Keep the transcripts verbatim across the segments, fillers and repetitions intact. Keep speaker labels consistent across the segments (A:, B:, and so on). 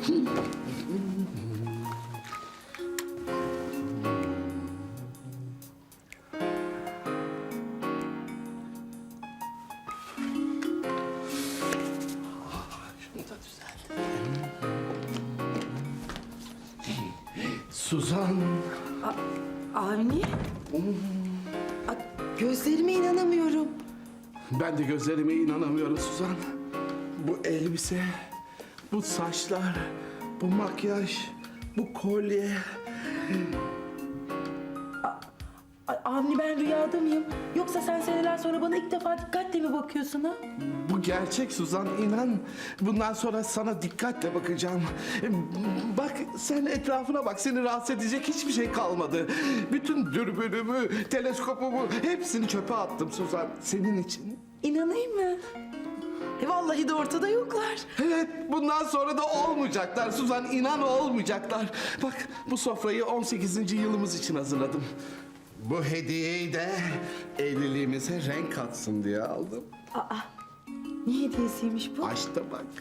A: Suzan.
B: Avni? A, gözlerime inanamıyorum.
A: Ben de gözlerime inanamıyorum Suzan. Bu elbise, bu saçlar, bu makyaj, bu kolye.
B: A, Avni, ben rüyada mıyım? Yoksa sen seneler sonra bana ilk defa dikkatle mi bakıyorsun ha?
A: Bu gerçek Suzan, inan. Bundan sonra sana dikkatle bakacağım. Bak, sen etrafına bak, seni rahatsız edecek hiçbir şey kalmadı. Bütün dürbünümü, teleskopumu hepsini çöpe attım Suzan, senin için.
B: İnanayım mı? E vallahi de ortada yoklar.
A: Evet, bundan sonra da olmayacaklar Suzan, inan olmayacaklar. Bak, bu sofrayı on sekizinci yılımız için hazırladım. Bu hediyeyi de evliliğimize renk katsın diye aldım.
B: Aa, ne hediyesiymiş bu?
A: Aç da bak.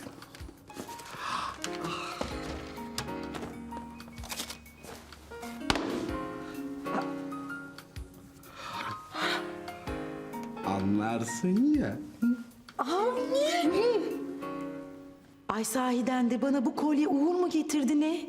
A: Anlarsın ya.
B: Avni! Ay, sahiden de bana bu kolye uğur mu getirdi ne?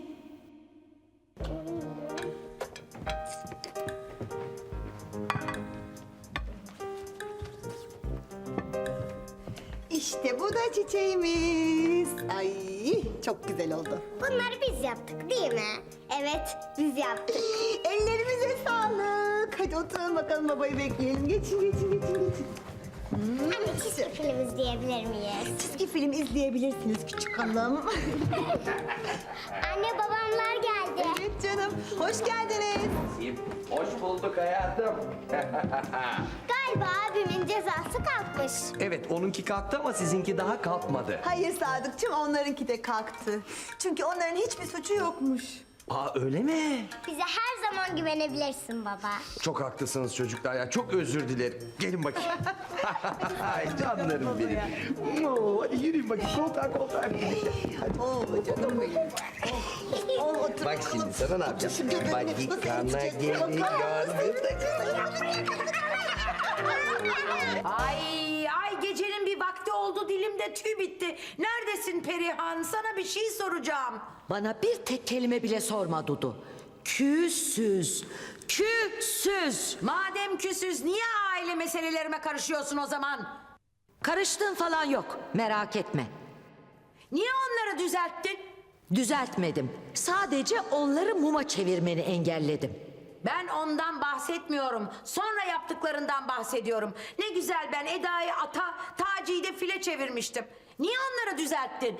C: İşte bu da çiçeğimiz. Ay çok güzel oldu.
D: Bunları biz yaptık değil mi? Evet, biz yaptık.
C: Ellerimize sağlık. Hadi oturalım bakalım, babayı bekleyelim. Geçin geçin geçin geçin.
D: Anne, çizgi film izleyebilir miyiz?
C: Çizgi film izleyebilirsiniz küçük hanım.
D: Anne, babamlar geldi.
C: Evet canım. Hoş geldiniz.
E: Hoş bulduk hayatım.
D: Galiba abimin cezası kalkmış.
E: Evet, onunki kalktı ama sizinki daha kalkmadı.
C: Hayır Sadıkçım, onlarınki de kalktı. Çünkü onların hiçbir suçu yokmuş.
E: Aa, öyle mi?
D: Bize her zaman güvenebilirsin baba.
E: Çok haklısınız çocuklar ya. Çok özür dilerim. Gelin bakayım. Ay canlarım benim. Oo, hadi yürüyün bakayım. Koltuğa koltuğa.
C: Oo canım benim. Oh, oh, otur
E: Bak
C: bakalım.
E: şimdi sana ne yapacağım?
C: Şimdi görelim.
E: Badikana
C: Nasıl edecek?
E: geliyor.
F: Ay ay, gecenin bir vakti oldu, dilimde tüy bitti. Neredesin Perihan? Sana bir şey soracağım.
G: Bana bir tek kelime bile sorma Dudu. Küsüz, küsüz.
F: Madem küsüz, niye aile meselelerime karışıyorsun o zaman?
G: Karıştığın falan yok, merak etme.
F: Niye onları düzelttin?
G: Düzeltmedim. Sadece onları muma çevirmeni engelledim.
F: Ben ondan bahsetmiyorum. Sonra yaptıklarından bahsediyorum. Ne güzel, ben Eda'yı ata, Taci'yi de file çevirmiştim. Niye onları düzelttin?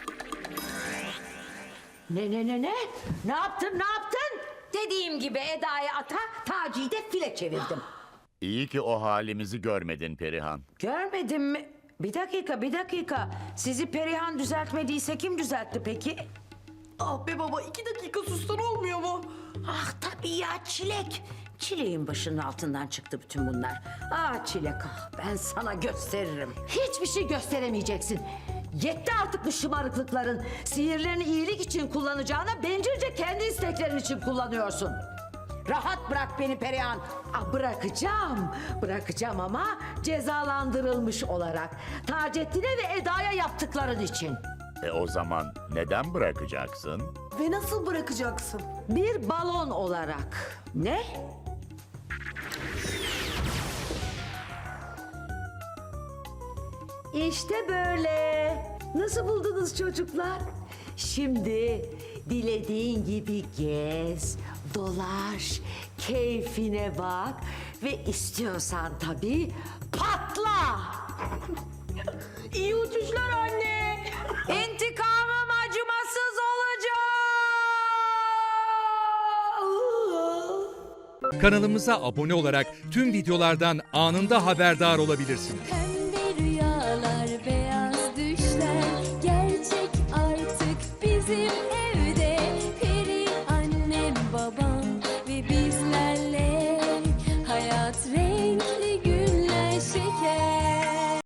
G: Ne ne ne ne? Ne yaptın, ne yaptın?
F: Dediğim gibi Eda'yı ata, Taci'yi de file çevirdim.
H: İyi ki o halimizi görmedin Perihan.
F: Görmedim mi? Bir dakika, bir dakika. Sizi Perihan düzeltmediyse kim düzeltti peki?
B: Ah be baba, iki dakika sustan olmuyor mu?
F: Ah tabii ya, Çilek. Çileğin başının altından çıktı bütün bunlar. Ah Çilek, ah, ben sana gösteririm.
G: Hiçbir şey gösteremeyeceksin. Yetti artık bu şımarıklıkların. Sihirlerini iyilik için kullanacağına bencilce kendi isteklerin için kullanıyorsun.
F: Rahat bırak beni Perihan.
G: Ah, bırakacağım. Bırakacağım ama cezalandırılmış olarak. Taceddin'e ve Eda'ya yaptıkların için.
H: E o zaman neden bırakacaksın?
B: Ve nasıl bırakacaksın?
G: Bir balon olarak.
F: Ne?
G: İşte böyle. Nasıl buldunuz çocuklar? Şimdi dilediğin gibi gez, dolaş, keyfine bak ve istiyorsan tabii patla.
B: İyi uçuşlar anne.
F: İntikamım acımasız olacak.
I: Kanalımıza abone olarak tüm videolardan anında haberdar olabilirsiniz.